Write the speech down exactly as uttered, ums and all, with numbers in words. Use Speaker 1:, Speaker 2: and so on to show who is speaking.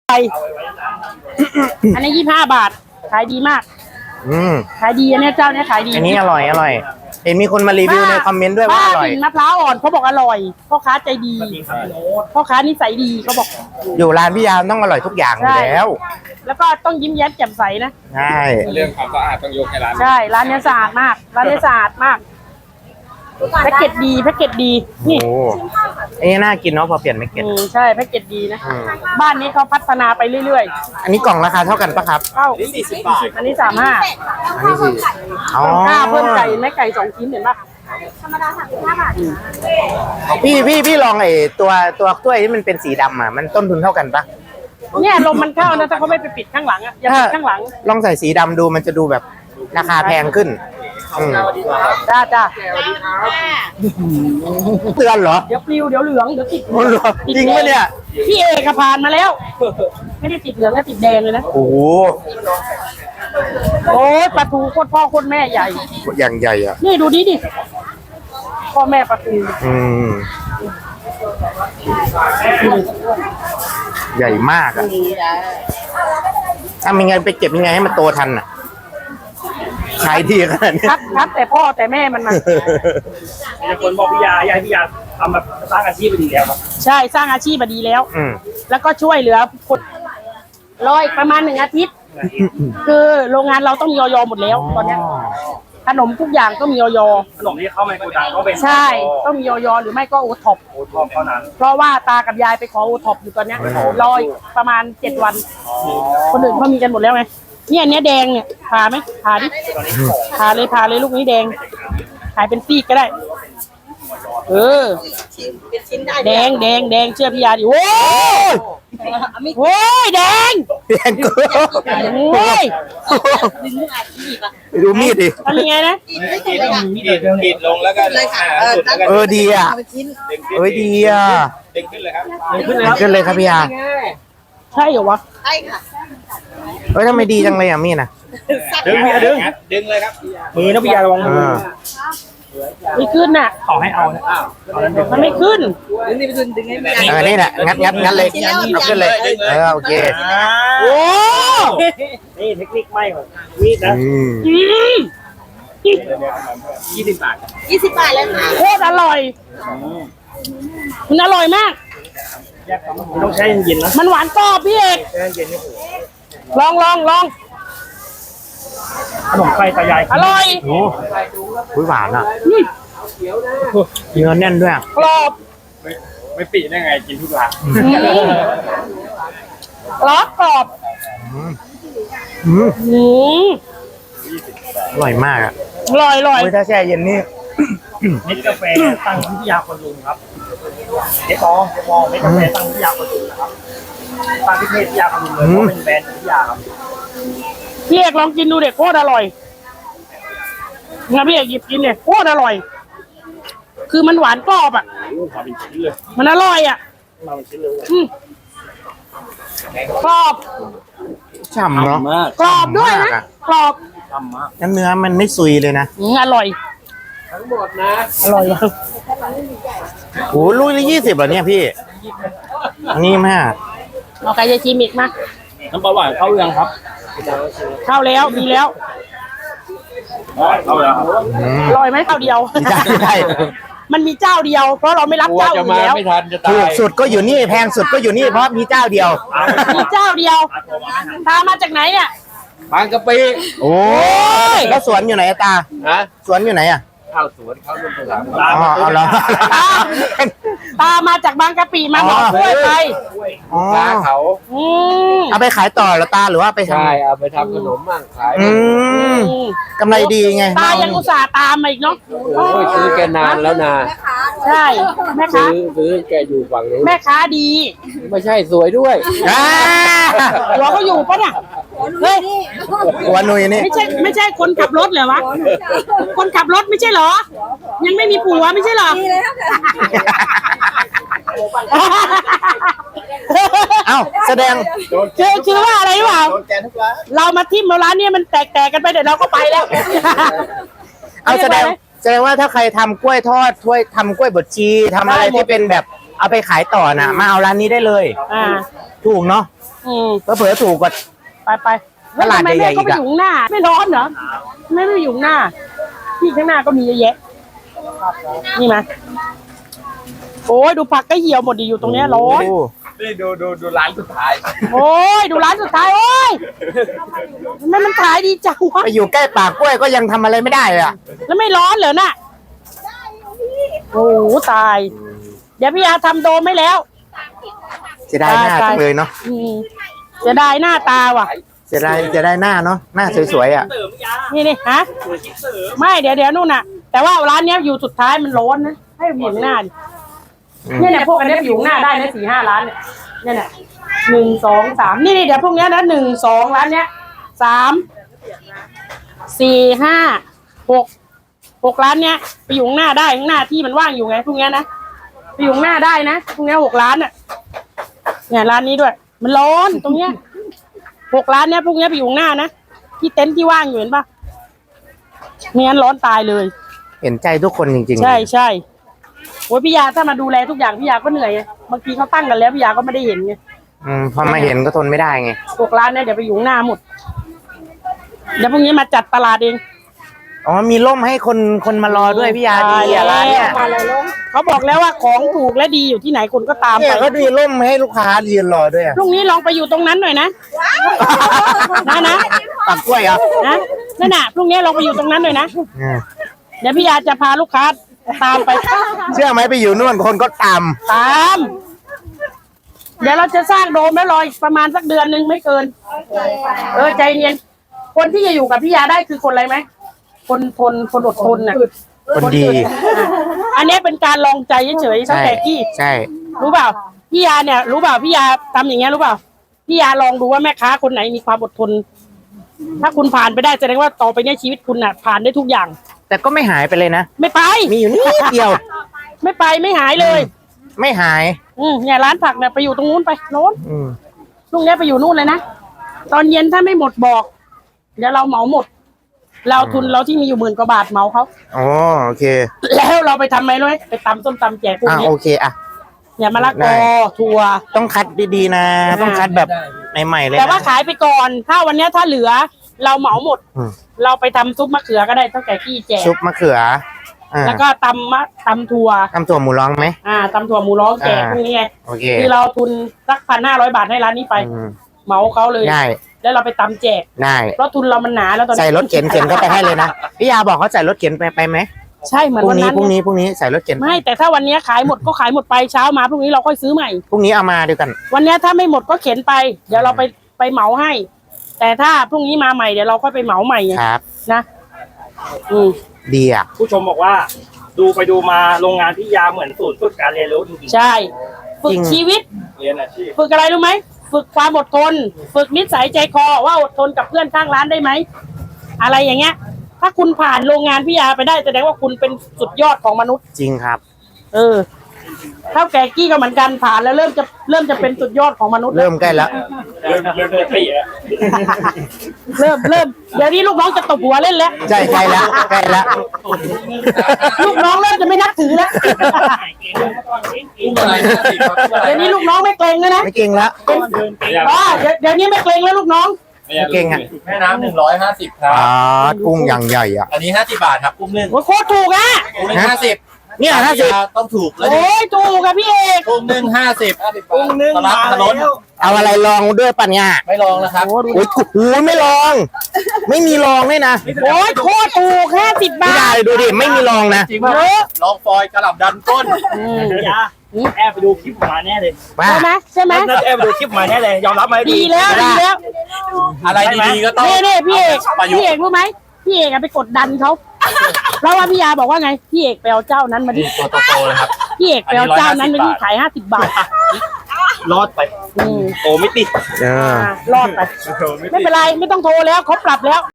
Speaker 1: อันนี้ยี่สิบห้าบาทขายดีมาก
Speaker 2: อืม
Speaker 1: ขายดีอันนี้เจ้าเนี้ยขายดี
Speaker 2: อันนี้อร่อยอร่อยเห็นมีคนมารีวิวในคอมเมนต์ด้วยว่าอร่อย
Speaker 1: มะพร้าวอ่อนเขาบอกอร่อยพ่อค้าใจดีพ่อค้านิสัยดีเขาบอก
Speaker 2: อยู่ร้านพี่ยามต้องอร่อยทุกอย่างอยู่แล้ว
Speaker 1: แล้วก็ต้องยิ้มแย้มแจ่มใสนะ
Speaker 2: ใช่
Speaker 3: เรื่องความสะอาดต้องยกให้ร้าน
Speaker 1: ใช่ร้านเนี้ยสะอาดมากร้านเนี้ยสะอาดมากแพ็กเกจดีแพ็กเกจดีนี่
Speaker 2: โอ้อันนี้น่ากินเนาะพอเปลี่ยนไม่เก็ต
Speaker 1: อืมใช่แพ็กเกจดีนะ
Speaker 2: อืม
Speaker 1: บ้านนี้เขาพัฒนาไปเรื่อย
Speaker 2: อันนี้กล่องราคาเท่ากันปะครับ
Speaker 1: ๆเข้าสี่สิบบาทอันนี้สามห้า
Speaker 2: อันนี้คืออ๋อ
Speaker 1: ค่าเพิ่มไก่แม่ไก่สองชิ้นเห็นปะ
Speaker 2: พี่พี่พี่ลองไอ้ตัวตัวถ้วยที่มันเป็นสีดำอ่ะมันต้นทุนเท่ากันปะ
Speaker 1: เนี่ยลมมันเข้านะถ้าเขาไม่ไปปิดข้างหลังอ่ะอย่าปิดข้างหลัง
Speaker 2: ลองใส่สีดำดูมันจะดูแบบราคาแพงขึ้นอืม
Speaker 1: จ้าจ้า
Speaker 2: เตือนเหรอ
Speaker 1: เดี๋ยวปลิวเดี๋ยวเหลืองเดี๋ยวติด
Speaker 2: โอ้โหจริงปะเนี่ย
Speaker 1: พี่เอกผ่านมาแล้ว ไม่ได้ติดเหลืองแล้วติดแดงเลยนะ
Speaker 2: โอ้โห
Speaker 1: โอ้ยปลาทูโคตรพ่อโคตรแม่ใหญ่
Speaker 2: อย่างใหญ่อ่ะ
Speaker 1: นี่ดูดิดิพ่อแม่ปลาทู
Speaker 2: อืมใหญ่มากอ่ะทำยังไงไปเก็บยังไงให้มันโตทันอ่ะขายดีขนาดนี้
Speaker 1: คัดคัดแต่พ่อแต่แม่มันมา
Speaker 3: มีคนบอกพี่ยายายพี่ยาทำแบบสร้างอาชีพไปดีแล้วครับ
Speaker 1: ใช่สร้างอาชีพมาดีแล้ว
Speaker 2: อืม
Speaker 1: แล้วก็ช่วยเหลือคนรออีกประมาณหนึ่งอาทิตย์ คือโรงงานเราต้องมีออยหมดแล้วตอนเนี้ยขนมทุกอย่างต้องมีออย
Speaker 3: ขนมที่เข้ามาในโกดังต้องเป็น
Speaker 1: ใช่ต้องมีออยหรือไม่ก็โอท็อป
Speaker 3: โอทอปเท่านั้น
Speaker 1: เพราะว่าตากับยายไปขอโอท็อปอยู่ตอนเนี้ยรออีกประมาณเจ็ดวัน คนอื่นเขามีกันหมดแล้วไงเนี่ยอันเนี้ยแดงเนี่ยผ่าไหมผ่าดิผ่าเลยผ่าเลยลูกนี้แดงขายเป็นซีกก็ได้ เออแดงแดงแดงเชื่อพี่ยาดิโว้ยโว้ยแดง
Speaker 2: แพงเกิน
Speaker 1: โว้ย
Speaker 2: ดูมีดดิ
Speaker 1: ทำยังไงนะ
Speaker 3: ขีดขีดลงแล้วก็เลยค่ะ
Speaker 2: เออดีอ่ะเอ้ยดีอ่ะ
Speaker 3: ดึงขึ้นเลยครับ
Speaker 2: ขึ้นเลยครับพี่ยา
Speaker 1: ใช่เหรอวะ
Speaker 4: ใช่ค่ะ
Speaker 2: เอ้ยทำไมดีจังเลยอ่ะมีดอ่ะ
Speaker 3: ดึงพี่ดึงดึงเลยครับมือนะพี่ยาระวังมือ
Speaker 2: อ่า
Speaker 1: ไม่ขึ้นน่ะ
Speaker 3: ขอให้เอานะอ้าว
Speaker 1: มันไม่ขึ้น
Speaker 4: ดึงนี่ไปดึงดึงให้แม่
Speaker 2: เออนี่แหละงัดงัดงัดเลยเอาขึ้นเลยเออโอเค
Speaker 1: โอ้
Speaker 3: นี่เทคนิคไม่ของมีดนะ
Speaker 2: อืม
Speaker 1: อืม
Speaker 3: ยี่สิบบาท
Speaker 4: ยี่สิบบาทเลยค่ะ
Speaker 1: โคตรอร่อย มันอร่อยมาก
Speaker 3: ต้องใช้เย็นๆนะ
Speaker 1: มันหวานกรอบพี่เอก
Speaker 3: ใช้เย็นนี่
Speaker 1: ลองลองลอง
Speaker 3: ขนมไข่ตายาย
Speaker 1: อร่อย
Speaker 2: โอ้ยหวานอ่ะ
Speaker 1: อืม
Speaker 2: เนื้อแน่นด้วยอ่ะ
Speaker 1: กรอบ
Speaker 3: ไม่ปีได้ไงกินทุกร้าน
Speaker 1: อืมกรอบกรอบ
Speaker 2: อืม
Speaker 1: อืม
Speaker 2: อร่อยมากอ่ะ
Speaker 1: อร่อยอร่อย
Speaker 2: โอ้ยถ้าแช่เย็นนี่
Speaker 3: เม็ดกาแฟตั้งที่ยาคนลุงครับเจ๊ปองเจ๊ปองเม็ดกาแฟตั้งที่ยาคนลุงนะครับตั้งที่เทศที่ยาคนลุงเลยเพราะเป็นแบรนด์ที่ยาครับ
Speaker 1: พี่เอกลองกินดูเด็กโคตรอร่อยงั้นพี่เอกหยิบกินเนี่ยโคตรอร่อย คือมันหวานกรอบอ่ะ
Speaker 3: มาเป็นชิ้นเลย
Speaker 1: มันอร่อยอ่ะ
Speaker 3: มาเป็นชิ้นเลย
Speaker 1: อืมกรอบ
Speaker 2: ฉ่ำเนาะ
Speaker 3: มาก
Speaker 1: กรอบด้วยนะกรอบ
Speaker 3: ทำมาก
Speaker 2: แล้วเนื้อมันไม่ซุยเลยนะ
Speaker 1: อืมอร่อย
Speaker 3: ทั้งหมดนะ
Speaker 1: อร่อยมาก
Speaker 2: โอ้ลูกละยี่สิบเหรอเนี่ยพี่อันนี้มาก
Speaker 1: เอาใครจะชิมอีกมา
Speaker 3: น้ำปลาหวานเข้ายังครับ
Speaker 1: เข้าแล้วมีแล้ว
Speaker 3: เข้าแล้ว
Speaker 2: อืม
Speaker 1: อร่อยไหมข้าวเดียว
Speaker 2: ได้ได้
Speaker 1: มันมีเจ้าเดียว เพราะเราไม่รับเจ้าอื่นแล้ว
Speaker 2: ถูกสุดก็อยู่นี่แพงสุดก็อยู่นี่เพราะมีเจ้าเดียว
Speaker 1: มีเจ้าเดียวตามมาจากไหนเนี่ย
Speaker 3: บางกะปิ
Speaker 2: โอ้ยแล้วสวนอยู่ไหนอะตา
Speaker 3: ฮะ
Speaker 2: สวนอยู่ไหนอ่ะ
Speaker 3: ข้าวสวนข้าวรุ่นภาษา
Speaker 2: อ๋อเอาเหรอ
Speaker 1: ตามมาจากบางกะปิมาบอกกล้วยไป
Speaker 2: อ๋อ
Speaker 3: ร้านเขา
Speaker 1: อืม
Speaker 2: เอาไปขายต่อเหรอตาหรือว่าไปทำ
Speaker 3: ใช่เอาไปทำขนมมั่งขาย
Speaker 2: อืมกำไรดีไง
Speaker 1: ตายังอุตส่าห์ตามมาอีกเนาะ
Speaker 5: โอ้ยซื้อแกนานแล้วนะ
Speaker 1: ใช่แม่ค้า
Speaker 5: ซื้อซื้อแกอยู่ฝั่งนู้น
Speaker 1: แม่ค้าดี
Speaker 5: ไม่ใช่สวยด้วย
Speaker 2: อ่า
Speaker 1: หัวเขาอยู่ปะเนี่ยเฮ้ย
Speaker 2: หัวหนุยนี่
Speaker 1: ไม่ใช่ไม่ใช่คนขับรถเหรอวะคนขับรถไม่ใช่เหรอ ยังไม่มีผัวไม่ใช่เหรอ
Speaker 2: เอ้าแสดง
Speaker 1: คือคือว่าอะไรหรือเปล่า
Speaker 3: โดนแกทุกร้าน
Speaker 1: เรามาทิมเราร้านเนี้มันแตกๆกันไปเดี๋ยวเราก็ไปแล้ว
Speaker 2: เอาแสดงแสดงว่าถ้าใครทำกล้วยทอดถ้วยทำกล้วยบดชีทำอะไรที่เป็นแบบเอาไปขายต่อน่ะ มาเอาร้านนี้ได้เลย
Speaker 1: อ่า
Speaker 2: ถูกเนาะ
Speaker 1: อืม
Speaker 2: เผลอๆถูกกว่า
Speaker 1: ไปไป
Speaker 2: ตลาด
Speaker 1: ทำไม
Speaker 2: ใหญ่
Speaker 1: แม่
Speaker 2: ๆ
Speaker 1: ก็ไป
Speaker 2: อีกอะ
Speaker 1: อยู่ข้างหน้า ไม่ร้อนเหรอไม่ไปอยู่ข้างหน้า ที่ข้างหน้าก็มีเยอะแยะนี่มาโอ้ยดูผักก็เหี่ยวหมดดีอยู่ตรงเนี้ยร้อน
Speaker 2: โอ้
Speaker 3: นี่ดูดูดูร้านสุดท้าย
Speaker 1: โอ้ยดูร้านสุดท้ายโอ้ยทำไมมันขายดีจังวะ
Speaker 2: ไปอยู่ใกล้ปากกล้วยก็ยังทำอะไรไม่ได้เลยอ่ะ
Speaker 1: แล้วไม่ร้อนเหรอน่ะโอ้โหตาย เดี๋ยวพี่อาทำโดมไม่แล้ว
Speaker 2: เสียดายหน้าจังเลยเนาะ
Speaker 1: อืมเสียดายหน้าตาว่ะ
Speaker 2: เสียดายเสียดายหน้าเนาะหน้าสวยๆอ่ะ
Speaker 3: เสริมยา
Speaker 1: นี่นี่ฮะ
Speaker 3: เสริม
Speaker 1: ไม่เดี๋ยวเดี๋ยวนู่นน่ะ แต่ว่าร้านเนี้ยอยู่สุดท้ายมันร้อนนะให้อยู่ข้างหน้าดิ
Speaker 2: อืม
Speaker 1: เนี่ยเนี่ยพวกอันเนี้ยอยู่ข้างหน้าได้นะสี่ห้าร้านเนี่ยเนี่ยเนี่ยหนึ่งสองสามนี่นี่เดี๋ยวพวกเนี้ยนะหนึ่งสองร้านเนี้ยสามสี่ห้าหกหกร้านเนี้ยไปอยู่ข้างหน้าได้ข้างหน้าที่มันว่างอยู่ไงพวกเนี้ยนะไปอยู่ข้างหน้าได้นะพวกเนี้ยหกร้านอ่ะเนี่ยร้านนี้ด้วย มันร้อนตรงเนี้ยหกร้านเนี้ยพวกเนี้ยไปอยู่ข้างหน้านะที่เต็นท์ที่ว่างอยู่เห็นปะไม่งั้นร้อนตายเลย
Speaker 2: เห็นใจทุกคนจริงๆ
Speaker 1: ใช่ใช่โอ้ยพี่ยาถ้ามาดูแลทุกอย่างพี่ยาก็เหนื่อยไงบางทีเขาตั้งกันแล้วพี่ยาก็ไม่ได้เห็นไง
Speaker 2: อืมพอมาเห็นก็ทนไม่ได้ไง
Speaker 1: พวกร้านเนี่ยเดี๋ยวไปอยู่ข้างหน้าหมดเดี๋ยวพรุ่งนี้มาจัดตลาดเอง
Speaker 2: อ๋อมีร่มให้คนคนมารอด้วยพี่ยาดีอ่ะร้านเนี่ย
Speaker 1: เขาบอกแล้วว่าของถูกและดีอยู่ที่ไหนคนก็ตาม
Speaker 2: เนี่
Speaker 1: ไป
Speaker 2: ยเขาดีร่มให้ลูกค้ายืนรอด้วยอะ
Speaker 1: พรุ่งนี้ลองไปอยู่ตรงนั้นหน่อยนะนะนะ
Speaker 2: ปากกล้วยเหรอ
Speaker 1: นะนั่นน่ะพรุ่งนี้ลองไปอยู่ตรงนั้นหน่อยนะ
Speaker 2: อืม
Speaker 1: เดี๋ยวพี่ยาจะพาลูกค้าตามไป
Speaker 2: เชื่อไหมไปอยู่นู่นคนก็ตาม
Speaker 1: ตาม เดี๋ยวเราจะสร้างโดมแล้วรออีกประมาณสักเดือนหนึ่งไม่เกิน เออใจเย็นคนที่จะอยู่กับพี่ยาได้คือคนอะไรไหมคนทนคนอดทนน่ะ
Speaker 2: คนดี
Speaker 1: อันนี้เป็นการลองใจเฉยๆเท่า
Speaker 2: ใช่
Speaker 1: แต่กี้
Speaker 2: ใช่
Speaker 1: รู้เปล่าพี่ยาเนี่ย รู้เปล่าพี่ยาทำอย่างเงี้ยรู้เปล่าพี่ยาลองดูว่าแม่ค้าคนไหนมีความอดทน ถ้าคุณผ่านไปได้แสดงว่าต่อไปเนี่ยชีวิตคุณน่ะ ผ่านได้ทุกอย่าง
Speaker 2: แต่ก็ไม่หายไปเลยนะ
Speaker 1: ไม่ไป
Speaker 2: มีอยู่นิดเดียว
Speaker 1: ไม่ไปไม่หายเลย
Speaker 2: ไม่หาย
Speaker 1: อืมเนี่ยร้านผักเนี่ยไปอยู่ตรงนู้นไปโน้น
Speaker 2: อืม
Speaker 1: ลุงเนี้ยไปอยู่นู่นเลยนะตอนเย็นถ้าไม่หมดบอก เดี๋ยวเราเหมาหมด เราทุนเราที่มีอยู่หมื่นกว่าบาทเหมาเขา
Speaker 2: อ๋อโอเค
Speaker 1: แล้วเราไปทำไหมรู้ไหมไปตำส้มตำแจกพวก
Speaker 2: อ่ะ
Speaker 1: นี้
Speaker 2: โอเคอ่ะ
Speaker 1: เนี่ยมะละก
Speaker 2: ได้
Speaker 1: อถั่ว
Speaker 2: ต้องคัดดีๆนะ ต้องคัดแบบใหม่ๆเลย
Speaker 1: แต่ว่า
Speaker 2: นะ
Speaker 1: ขายไปก่อน ถ้าวันเนี้ยถ้าเหลือ เราเหมาหมด
Speaker 2: อืม
Speaker 1: เราไปทำซุปมะเขือก็ได้เท่าแก่กี้แจก
Speaker 2: ซุปมะเขืออ่า
Speaker 1: แล้วก็ตำมะตำถั่ว
Speaker 2: ทำถั่วหมูร้องไหม
Speaker 1: อ่าตำถั่วหมูร้องแจก
Speaker 2: อ่า
Speaker 1: พวกนี้ไง
Speaker 2: โอเค
Speaker 1: คือเราทุนสักพันห้าร้อยบาทให้ร้านนี้ไป
Speaker 2: อืม
Speaker 1: เหมาเขาเลย
Speaker 2: ได้
Speaker 1: แล้วเราไปตำแจก
Speaker 2: ได้
Speaker 1: เพราะทุนเรามันหนาแล้วตอนนี้
Speaker 2: ใส่รถเข็นเข็นเข้าไปให้เลยนะพี่ยาบอกเขาใส่รถเข็นไปไปไหม
Speaker 1: ใช่เหมือน
Speaker 2: พรุ่
Speaker 1: วั
Speaker 2: ง
Speaker 1: น
Speaker 2: นี้
Speaker 1: นั้น
Speaker 2: พรุ่ง
Speaker 1: ไง
Speaker 2: นี้พรุ่งนี้ใส่รถเข็น
Speaker 1: ไม่แต่ถ้าวันเนี้ยขายหมดก็ขายหมดไปเช้ามาพรุ่งนี้เราค่อยซื้อใหม่
Speaker 2: พรุ่งนี้เอามาด้วยกัน
Speaker 1: วันเนี้ยถ้าไม่หมดก็เข็นไป เดี๋ยวเราไปไปเหมาให้ แต่ถ้าพรุ่งนี้มาใหม่เดี๋ยวเราค่อยไปเหมาใหม่ไง
Speaker 2: ครับ
Speaker 1: นะอืม
Speaker 2: ดีอ่ะ
Speaker 3: ผู้ชมบอกว่า ดูไปดูมาโรงงานพี่ยาเหมือนศูนย์ฝึกการเรียนรู้จริง
Speaker 1: ใช่ ฝึกชีวิต
Speaker 3: ๆเรียนอาชีพ
Speaker 1: ฝึกอะไรรู้ไหมฝึกความอดทน ฝึกนิสัยใจคอว่าอดทนกับเพื่อนข้างร้านได้ไหมอะไรอย่างเงี้ย ถ้าคุณผ่านโรงงานพี่ยาไปได้แสดงว่าคุณเป็นสุดยอดของมนุษย์
Speaker 2: จริงครับ
Speaker 1: เออเท่าแก่กี้ก็เหมือนกันผ่านแล้วเริ่มจะเริ่มจะเป็นสุดยอดของมนุษย์
Speaker 2: เริ่มใกล้แล้ว
Speaker 3: เริ่มเริ่มจะเปลี่ยน
Speaker 1: เริ่มเริ่มเดี๋ยวนี้ลูกน้องจะตบหัวเล่นแล้ว
Speaker 2: ใช่ใกล้แล้วใกล้แล้ว
Speaker 1: ลูกน้องเริ่มจะไม่นับถือแล้วเดี๋ยวนี้ลูกน้องไม่เกรงแล้วนะ
Speaker 2: ไม่เก่งแล้ว
Speaker 1: อ๋อเดี๋ยวเดี๋ยวนี้ไม่เกรงแล้วลูกน้อง
Speaker 2: ไม่เก่งอ่ะ
Speaker 6: แม่น้ำหนึ่งร้อยห้าสิบครั
Speaker 2: อ๋
Speaker 6: บ
Speaker 2: อกุ้งอย่างใหญ่อ่ะ
Speaker 6: อันนี้ห้าสิบบาทครับกุ้งนึ่ง
Speaker 1: โอ้ยโคตรถูกอ่ะ
Speaker 6: กุ้งนึ่งห้าสิบ
Speaker 2: เนี่ยห้าสิบ
Speaker 6: ต้องถูกแล้ว
Speaker 1: โอ้ยถูกอะพี่เอก
Speaker 6: กุ้งนึ่งห้าสิบ
Speaker 3: กุ้งนึ่ง
Speaker 6: ตลาด
Speaker 3: มา
Speaker 6: ถนน
Speaker 3: แล้ว
Speaker 2: เอาอะไรลองด้วยปัญญา
Speaker 6: ไม่ลองแล้วครับ
Speaker 1: โอ้ดู
Speaker 2: โอ้ยโอ้ยไม่ลอง ไม่มีลองด้วยนะ
Speaker 1: โอ้ยโคตรถูกแค่สิบบา
Speaker 2: พี่ดา
Speaker 1: ท
Speaker 2: เลยดูดิไม่มีลองนะ
Speaker 6: จริงป่ะ
Speaker 1: เยอะ
Speaker 6: ลองฟอยกระหล่ำดันก้น
Speaker 1: อืม
Speaker 3: พี่ยาแอบไปดูคลิปมาแน่เลย
Speaker 2: ว่า
Speaker 1: ใช่ไหมใช่ไหม
Speaker 3: น่าจะแอบไปดูคลิปมาแน่เลยยอมรับไหม
Speaker 1: ดีแล้วดีแล้ว
Speaker 6: อะไรดีๆก็ต้อง
Speaker 1: นี่นี่พี่เอก
Speaker 6: ประยุก
Speaker 1: พี่
Speaker 6: ต์
Speaker 1: เอกรู้ไหมพี่เอกอะไปกดดันเขาเพราะว่าพี่ยาบอกว่าไงพี่เอกไปเอาเจ้านั้นมาดิ
Speaker 6: ตัวโตๆเลยครับ
Speaker 1: พี่เอกไปเอาเจ้านั้นมาดิขายห้าสิบบาท
Speaker 3: รอดไป
Speaker 1: อืม
Speaker 3: โอ้ไม่ติด
Speaker 2: เออ
Speaker 1: อ่ารอดไป
Speaker 3: โอ้ไม่ติด
Speaker 1: ไม่เป็นไรไม่ต้องโทรแล้วเขาปรับแล้ว